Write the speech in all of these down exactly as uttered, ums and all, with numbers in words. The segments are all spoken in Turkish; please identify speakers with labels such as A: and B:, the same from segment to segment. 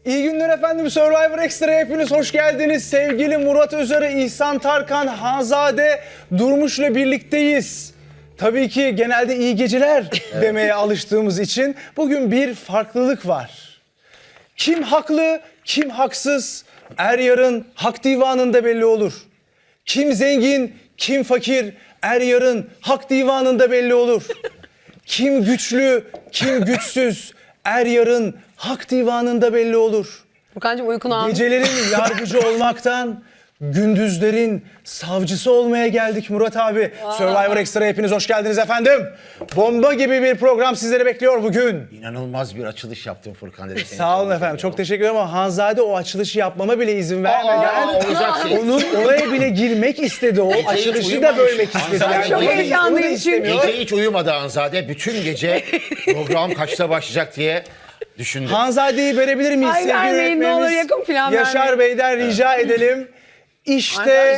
A: İyi günler efendim. Survivor Extra'ya hepiniz hoş geldiniz. Sevgili Murat Özarı, İhsan Tarkan, Hanzade Durmuş'la birlikteyiz. Tabii ki genelde iyi geceler evet. demeye alıştığımız için bugün bir farklılık var. Kim haklı, kim haksız er yarın hak divanında belli olur. Kim zengin, kim fakir er yarın hak divanında belli olur. Kim güçlü, kim güçsüz er yarın hak divanında belli olur.
B: Furkancığım uykunu almış.
A: Gecelerin yargıcı olmaktan gündüzlerin savcısı olmaya geldik Murat abi. Aa. Survivor Extra hepiniz hoş geldiniz efendim. Bomba gibi bir program sizleri bekliyor bugün.
C: İnanılmaz bir açılış yaptın Furkan dedi.
A: Sağ olun efendim. Çok teşekkür ederim ama Hanzade o açılışı yapmama bile izin vermedi.
C: Yani
A: onun oraya bile girmek istedi o.
C: Gece
A: açılışı da bölmek istedi.
C: Yani
B: çok heyecanlıyım çünkü.
C: Gece hiç uyumadı Hanzade. Bütün gece program kaçta başlayacak diye düşündü.
A: Hanzade'yi verebilir miyiz?
B: Ay,
A: Sevgili
B: vermeyin, ne olur, yakın plan
A: Yaşar
B: vermeyin.
A: Bey'den rica edelim. İşte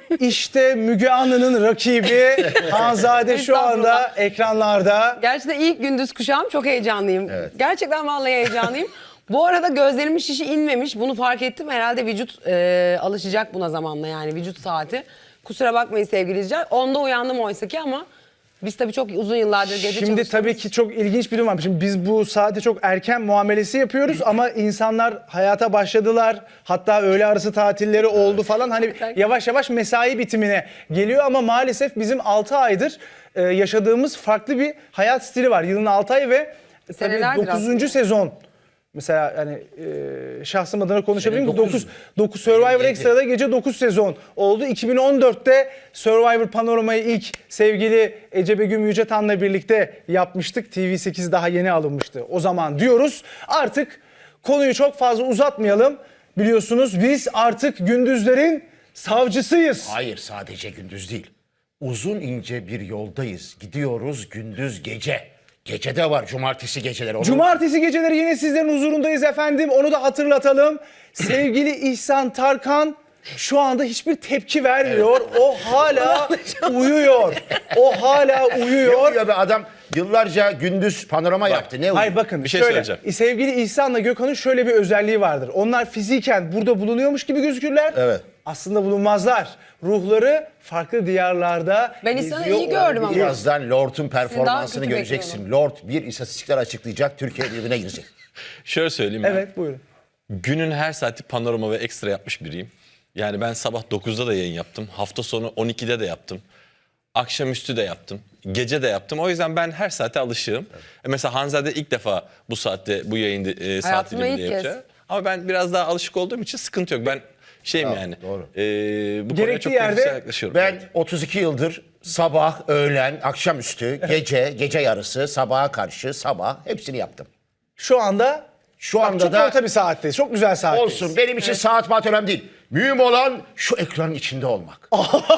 A: işte Müge Anlı'nın rakibi Hanzade şu anda ekranlarda.
B: Gerçekten ilk gündüz kuşağım, çok heyecanlıyım.
C: Evet.
B: Gerçekten vallahi heyecanlıyım. Bu arada gözlerimin şişi inmemiş. Bunu fark ettim. Herhalde vücut e, alışacak buna zamanla, yani vücut saati. Kusura bakmayın sevgili izleyiciler. Onda uyandım oysa ki ama biz tabii çok uzun yıllardır gece
A: Şimdi
B: çalışıyoruz.
A: tabii ki çok ilginç bir durum var. Şimdi biz bu saate çok erken muamelesi yapıyoruz ama insanlar hayata başladılar. Hatta öğle arası tatilleri oldu falan. Hani yavaş yavaş mesai bitimine geliyor ama maalesef bizim altı aydır e, yaşadığımız farklı bir hayat stili var. Yılın altı ayı ve tabii dokuzuncu sezon. Mesela hani e, şahsım adına konuşabilirim. dokuz dokuz Survivor Extra'da gece dokuz sezon oldu. iki bin on dörtte Survivor Panorama'yı ilk sevgili Ece Begüm Yücetan'la birlikte yapmıştık. T V sekiz daha yeni alınmıştı o zaman diyoruz. Artık konuyu çok fazla uzatmayalım. Biliyorsunuz biz artık gündüzlerin savcısıyız.
C: Hayır, sadece gündüz değil. Uzun ince bir yoldayız. Gidiyoruz gündüz gece. Gece de var, cumartesi geceleri. Onu...
A: Cumartesi geceleri yine sizlerin huzurundayız efendim. Onu da hatırlatalım. Sevgili İhsan Tarkan şu anda hiçbir tepki vermiyor. Evet. O hala uyuyor. O hala uyuyor.
C: Ne uyuyor be adam? Yıllarca gündüz panorama Bak, yaptı. Ne uyuyor?
A: Hayır bakın
D: bir şey
A: şöyle.
D: söyleyeceğim.
A: Sevgili İhsan'la Gökhan'ın şöyle bir özelliği vardır. Onlar fiziken burada bulunuyormuş gibi gözükürler.
C: Evet.
A: Aslında bulunmazlar. Ruhları farklı diyarlarda
B: Ben İhsan'ı
A: geziyor
B: iyi gördüm ama.
C: Birazdan Lord'un performansını
B: kötü
C: göreceksin.
B: bekliyorum.
C: Lord bir istatistikler açıklayacak, Türkiye birbirine girecek.
D: Şöyle söyleyeyim ben.
A: Evet buyurun.
D: Günün her saati panorama ve ekstra yapmış biriyim. Yani ben sabah dokuzda da yayın yaptım. Hafta sonu on ikide de yaptım. Akşamüstü de yaptım. Gece de yaptım. O yüzden ben her saate alışığım. Evet. Mesela Hanzade ilk defa bu saatte bu yayın e, saat diliminde yapacak. Ama ben biraz daha alışık olduğum için sıkıntı yok. Ben şeyim
C: Tamam,
D: yani.
C: doğru.
D: E, bu
A: Gerekli
D: konuya çok
A: yerde
D: profesyonel yaklaşıyorum.
C: Ben otuz iki yıldır sabah, öğlen, akşamüstü, gece, gece yarısı, sabaha karşı, sabah hepsini yaptım.
A: Şu anda
C: Şu
A: bak,
C: anda
A: çok
C: da
A: orta bir saatteyiz. Çok güzel saatteyiz.
C: olsun. Benim için saat maat önemli değil. Mühim olan şu ekranın içinde olmak.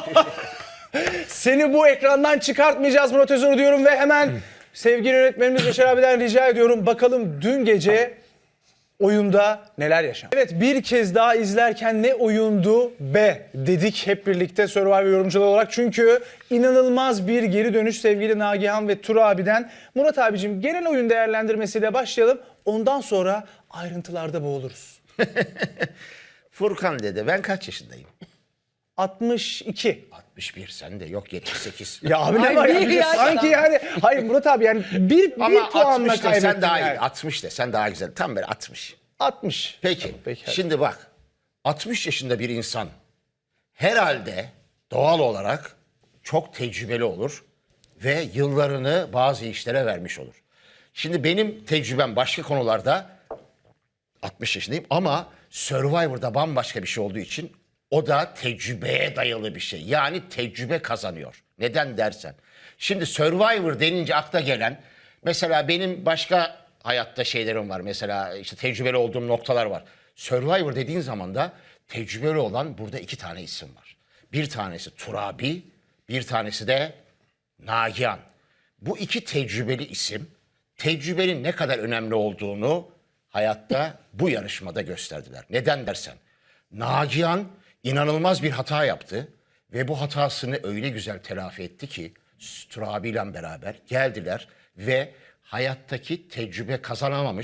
A: Seni bu ekrandan çıkartmayacağız Murat Özarı diyorum ve hemen sevgili yönetmenimiz Yaşar abiden rica ediyorum. Bakalım dün gece oyunda neler yaşandı? Evet, bir kez daha izlerken ne oyundu be dedik hep birlikte Survivor yorumcuları olarak. Çünkü inanılmaz bir geri dönüş sevgili Nagihan ve Tur abiden. Murat abicim genel oyun değerlendirmesiyle başlayalım. Ondan sonra ayrıntılarda boğuluruz.
C: Furkan dedi, ben kaç yaşındayım?
A: altmış iki.
C: altmış bir, sen de yok yetmiş sekiz.
A: Ya abi ne
B: Ay,
A: var
B: bir
A: ya? Bir de
B: yaştan.
A: sanki yani. Hayır Murat abi yani bir, bir
C: Ama
A: puanla
C: altmış de
A: kaybettin
C: sen daha
A: yani.
C: iyi. altmış de sen daha güzel. Tam böyle altmış.
A: altmış.
C: Peki,
A: Peki, hadi.
C: şimdi bak. altmış yaşında bir insan herhalde doğal olarak çok tecrübeli olur ve yıllarını bazı işlere vermiş olur. Şimdi benim tecrübem başka konularda altmış yaşındayım ama Survivor'da bambaşka bir şey olduğu için o da tecrübeye dayalı bir şey. Yani tecrübe kazanıyor. Neden dersen. Şimdi Survivor denince akla gelen mesela benim başka hayatta şeylerim var. Mesela işte tecrübeli olduğum noktalar var. Survivor dediğin zaman da tecrübeli olan burada iki tane isim var. Bir tanesi Turabi, bir tanesi de Nagihan. Bu iki tecrübeli isim tecrübenin ne kadar önemli olduğunu hayatta bu yarışmada gösterdiler. Neden dersen Nagihan inanılmaz bir hata yaptı ve bu hatasını öyle güzel telafi etti ki Turabi ile beraber geldiler ve hayattaki tecrübe kazanamamış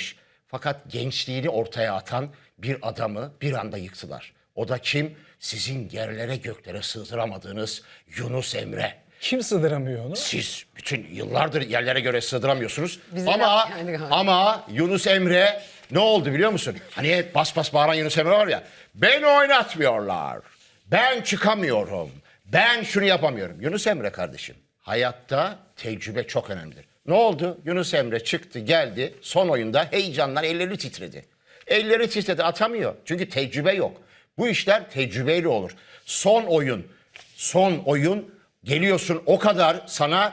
C: Fakat gençliğini ortaya atan bir adamı bir anda yıktılar. O da kim? Sizin yerlere göklere sığdıramadığınız Yunus Emre.
A: Kim sığdıramıyor onu?
C: Siz bütün yıllardır yerlere göre sığdıramıyorsunuz.
B: Bize
C: ama
B: laf geldi galiba.
C: ama Yunus Emre ne oldu biliyor musun? Hani hep bas bas bağıran Yunus Emre var ya. Beni oynatmıyorlar. Ben çıkamıyorum. Ben şunu yapamıyorum. Yunus Emre kardeşim, hayatta tecrübe çok önemlidir. Ne oldu? Yunus Emre çıktı geldi son oyunda heyecandan elleri titredi. Elleri titredi, atamıyor. Çünkü tecrübe yok. Bu işler tecrübeyle olur. Son oyun, son oyun geliyorsun o kadar sana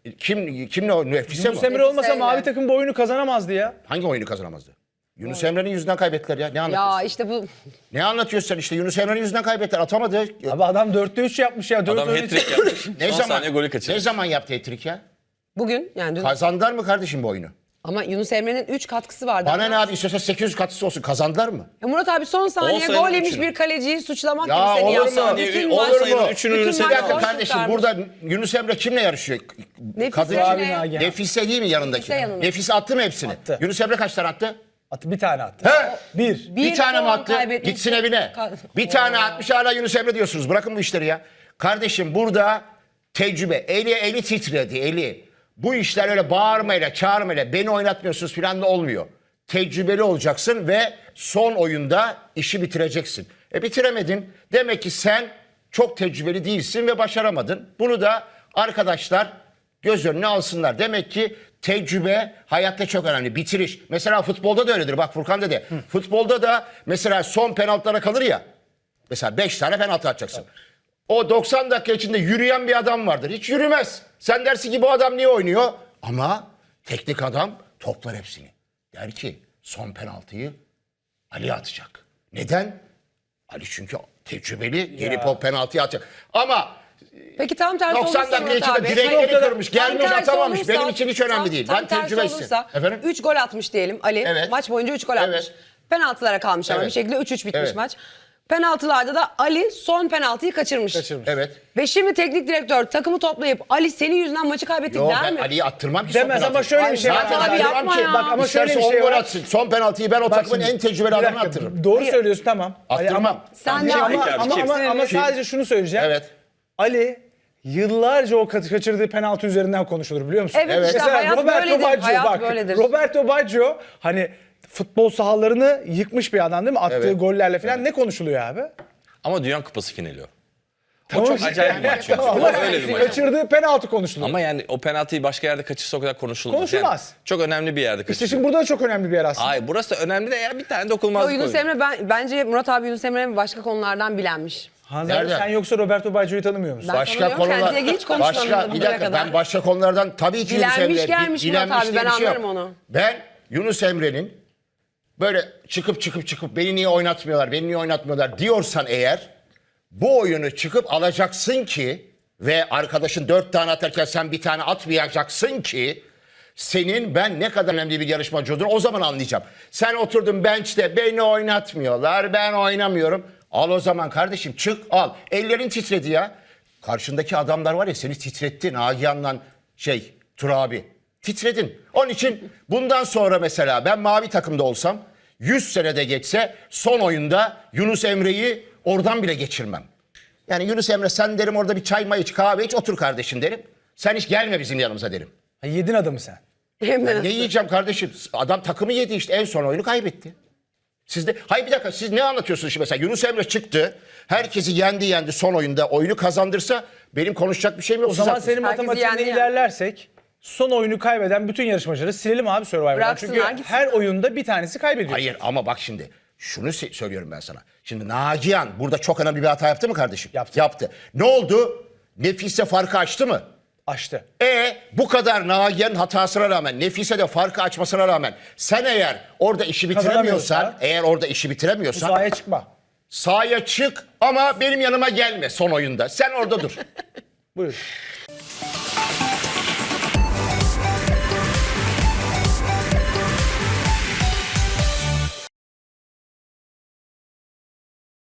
C: kim kimle o Nefise
A: Yunus
C: mi?
A: Emre olmasa
B: Nefise
A: mavi
B: ile.
A: takım bu oyunu kazanamazdı ya.
C: Hangi oyunu kazanamazdı? Yunus Emre'nin yüzünden kaybettiler ya. Ne anlatıyorsun?
B: Ya işte bu
C: Ne anlatıyorsun sen işte? Yunus Emre'nin yüzünden kaybettiler. Atamadı.
A: Abi adam dörtte üç yapmış ya. dört
D: Adam
A: öyle-
D: hat-trick yapmış.
C: Ne
D: Son
C: zaman?
D: saniye golü
C: Ne
D: kaçırmış.
C: zaman yaptı hat-trick ya?
B: bugün yani dün,
C: Kazandılar mı kardeşim bu oyunu?
B: ama Yunus Emre'nin üç katkısı vardı.
C: Bana ne abi, istiyorsa sekiz yüz katısı olsun. Kazandılar mı?
B: Ya Murat abi son saniye
D: On sayının
B: gol yemiş
D: üçünü.
B: bir kaleciyi suçlamak
C: Ya
B: gibi seni
C: olur mu?
B: yaptı.
D: Saniye,
B: Bütün
D: on
B: maç-
D: sayının üçünü
B: bütün
D: Yunus
B: maç
C: Bir dakika
B: boş
C: kardeşim,
B: kurtarmış.
C: burada Yunus Emre kimle yarışıyor?
B: Nefise
C: Kadın
B: yine-
A: Abi Nagihan.
C: Nefise değil mi yanındaki?
B: Nefise yanında.
C: Nefise attı mı hepsini?
A: Attı.
C: Yunus Emre kaç tane attı?
A: Attı, bir tane attı.
C: He?
A: Bir.
C: Bir,
B: Bir
C: tane mi
B: puan
C: attı?
B: kaybetmiş.
C: Gitsin evine.
B: Ka-
C: Bir tane atmış, hala Yunus Emre diyorsunuz. Bırakın bu işleri ya. Kardeşim burada tecrübe. Eli eli titredi, eli. Bu işler öyle bağırmayla, çağırmayla, beni oynatmıyorsunuz falan da olmuyor. Tecrübeli olacaksın ve son oyunda işi bitireceksin. E bitiremedin. Demek ki sen çok tecrübeli değilsin ve başaramadın. Bunu da arkadaşlar göz önüne alsınlar. Demek ki tecrübe hayatta çok önemli. Bitiriş. Mesela futbolda da öyledir. Bak Furkan dedi. Futbolda da mesela son penaltılara kalır ya. Mesela beş tane penaltı atacaksın. O doksan dakika içinde yürüyen bir adam vardır. Hiç yürümez. Sen dersin ki bu adam niye oynuyor? Ama teknik adam toplar hepsini. Der ki son penaltıyı Ali atacak. Neden? Ali çünkü tecrübeli, gelip o penaltıyı atacak. Ama
B: Peki tam tersi
C: doksan
B: olursa
C: dakika
B: Murat
C: içinde
B: abi.
C: direkleri
B: Tam
C: kırmış, gelmiş
B: tersi
C: atamamış.
B: olursa-
C: Benim için hiç önemli
B: tam-
C: değil.
B: tam
C: Ben
B: tersi
C: tecrübesizim.
B: olursa
C: Efendim?
B: üç gol atmış diyelim Ali.
C: Evet.
B: Maç boyunca üç gol atmış.
C: Evet.
B: Penaltılara kalmış ama
C: Evet.
B: bir şekilde üç üç bitmiş
C: Evet.
B: maç. Penaltılarda da Ali son penaltıyı kaçırmış.
A: Kaçırmış.
C: Evet.
B: Ve şimdi teknik direktör takımı toplayıp Ali senin yüzünden maçı kaybettik
C: Yo,
B: der
C: ben
B: mi?
C: Ali'yi attırmam ki son
A: Demez ama
C: penaltıyı.
A: şöyle
B: Ay,
A: bir şey var.
B: zaten abi
C: Attırmam
B: yapma
C: ki.
B: ya.
A: Bak ama şöyle
C: İsterse
A: bir şey
C: on gol
A: var.
C: atsın. Son penaltıyı ben o
A: Bak
C: takımın
A: şimdi,
C: en tecrübeli
A: bir
C: adamına
A: dakika,
C: attırırım.
A: Doğru
B: Hayır.
A: söylüyorsun, tamam. Ali,
C: Attırmam.
A: Ama,
B: Sen
A: ama,
B: de
A: ama,
B: Peki
D: abi,
A: ama,
D: kim?
A: ama, ama
B: Kim?
A: sadece şunu söyleyeceğim.
C: Evet.
A: Ali yıllarca o kat- kaçırdığı penaltı üzerinden konuşulur biliyor musun?
B: Evet, işte
A: Mesela
B: hayat
A: Roberto
B: böyledir,
A: Baggio
B: hayat
A: bak.
B: böyledir.
A: Roberto Baggio hani futbol sahalarını yıkmış bir adam değil mi? Attığı
C: Evet.
A: gollerle falan ne konuşuluyor abi?
D: Ama Dünya Kupası finali o.
A: Tamam
D: çok
A: işte.
D: acayip bir maç çünkü.
A: Tamam,
D: O
A: ama
D: öyle bir maç.
A: kaçırdığı penaltı konuşuluyor.
D: Ama yani o penaltıyı başka yerde kaçırsa o kadar konuşulmaz.
A: Konuşulmaz.
D: Yani çok önemli bir yerde kaçırıyor.
A: İşte şimdi burada da çok önemli bir yer aslında.
D: Hayır, burası da önemli de ya bir tane
B: O
D: dokunulmazlık
B: Yunus
D: oyunu.
B: Emre ben, bence Murat abi Yunus Emre başka konulardan bilenmiş.
A: Hanzade,
C: Nereden?
A: sen yoksa Roberto Baggio'yu tanımıyor musun?
B: Ben
C: Başka
B: tanımıyorum,
C: konular.
B: kendisiyle ilgili hiç konuşmadım
C: Başka, bir
B: bugüne
C: dakika,
B: kadar.
C: ben başka konulardan tabii ki Yunus
B: Bilenmiş
C: Emre.
B: gelmiş
C: bi-
B: Murat
C: bilenmiş
B: abi,
C: diye
B: ben
C: bir şey yok.
B: anlarım onu.
C: Ben Yunus Emre'nin böyle çıkıp çıkıp çıkıp beni niye oynatmıyorlar, beni niye oynatmıyorlar diyorsan eğer bu oyunu çıkıp alacaksın ki ve arkadaşın dört tane atarken sen bir tane atmayacaksın ki senin ben ne kadar önemli bir yarışmacı olduğunu o zaman anlayacağım. Sen oturdun bench'te beni oynatmıyorlar, ben oynamıyorum. Al o zaman kardeşim, çık al. Ellerin titredi ya. Karşındaki adamlar var ya, seni titretti Nagihan'la şey Turabi. Titredin. Onun için bundan sonra mesela ben mavi takımda olsam yüz senede geçse son oyunda Yunus Emre'yi oradan bile geçirmem. Yani Yunus Emre sen derim orada bir çay may iç, kahve iç, otur kardeşim derim. Sen hiç gelme bizim yanımıza derim.
A: Ha, yedin adamı sen.
B: Hem de
C: Ne yiyeceğim kardeşim? Adam takımı yedi işte, en son oyunu kaybetti. Siz de, hayır bir dakika, siz ne anlatıyorsunuz şimdi mesela? Yunus Emre çıktı, herkesi yendi yendi son oyunda, oyunu kazandırsa benim konuşacak bir şeyim yok.
A: O
C: Siz
A: zaman
C: haklısınız.
A: senin
B: Herkesi
A: matematiğinde
B: yendi ya.
A: ilerlersek son oyunu kaybeden bütün yarışmacıları silelim abi Survivor'dan.
B: Bıraksınlar,
A: Çünkü
B: gitsinler.
A: her oyunda bir tanesi kaybediyor.
C: Hayır ama bak şimdi şunu se- söylüyorum ben sana. Şimdi Nagihan burada çok önemli bir hata yaptı mı kardeşim?
A: Yaptı.
C: Yaptı. Ne oldu? Nefise farkı açtı mı?
A: Açtı.
C: E bu kadar Nagihan'ın hatasına rağmen, Nefise de farkı açmasına rağmen sen eğer orada işi bitiremiyorsan,
A: Kazanamıyorsa,
C: eğer orada işi
A: Bu
C: bitiremiyorsan
A: sahaya çıkma.
C: sahaya çık ama benim yanıma gelme son oyunda. Sen orada dur.
A: Buyur.